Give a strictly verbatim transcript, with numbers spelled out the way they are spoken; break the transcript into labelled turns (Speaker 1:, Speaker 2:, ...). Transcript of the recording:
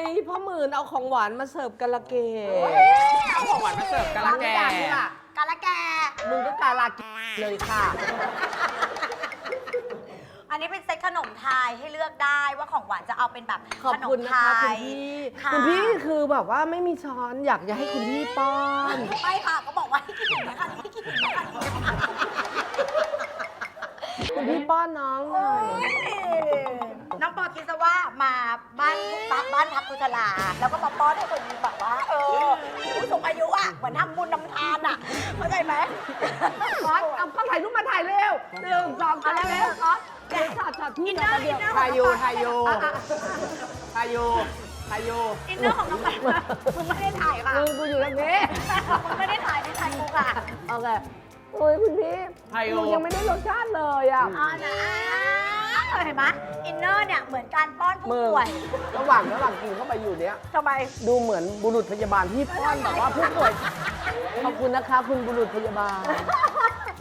Speaker 1: นี้พ่อหมื่นเอาของหวานมาเสิร์ฟกะละเกด
Speaker 2: เอาของหวานมาเสิร์ฟกะละแก
Speaker 3: กาละแก
Speaker 1: มึงก็กาลากิเลยค่ะ
Speaker 3: อันนี้เป็นเซ็ตขนมไทยให้เลือกได้ว่าของหวานจะเอาเป็นแบบ
Speaker 1: ขอบ
Speaker 3: ขน
Speaker 1: คุ
Speaker 3: ม
Speaker 1: ณ
Speaker 3: ไท
Speaker 1: นะคะคุณ
Speaker 3: ย
Speaker 1: พี่
Speaker 3: ค่ะ
Speaker 1: คุณพี่คือแบบว่าไม่มีช้อนอยากจะให้คุณพี่ป้อน
Speaker 3: ไม่ค่ะก็บอกว่าให้กินอย่างนี้ค่ะให้กินอย่างนี้ค่ะ
Speaker 1: คุณพี่ป้อนน้องหน่อย
Speaker 3: น้องปอคิดซะว่ามาบ้านบ้านบ้านพักกุศลาแล้วก็มาป้อนให้คนแบบว่า เออผู้สูงอายุอ่ะเหมือนทำบุญนำทานอ่ะเข้าใจไหม
Speaker 1: ก๊อตเอาก็ถ่ายรูปมาถ่ายเร็วหนึ่งสองสามเร็วก๊อตเดี๋ยวช็อตช็อตที่นะเดียว
Speaker 2: ทายูทายูทายูทายู
Speaker 3: อินเนอร์ของน้องแปมมึงไม่ได้ถ่ายค่ะ
Speaker 1: มึงกูอยู่ตรงนี้
Speaker 3: มึงไม่ได้ถ่ายไม่ถ่ายกูค่ะ
Speaker 1: โอเคโอ้ยคุณพี่
Speaker 2: ทายู
Speaker 1: หนูยังไม่ได้รสชาติเลยอ่ะ
Speaker 3: อ๋อนะเห็นไหมอินเนอร์เนี่ยเหมือนการป้อนผู้ป่วย
Speaker 1: ระหว่างระหว่างกินเข้าไปอยู่เนี้ย
Speaker 3: ทำไม
Speaker 1: ดูเหมือนบุรุษพยาบาลที่ป้อนแบบว่าผู้ป่วยขอบคุณนะคะ คุณบุรุษพยาบาล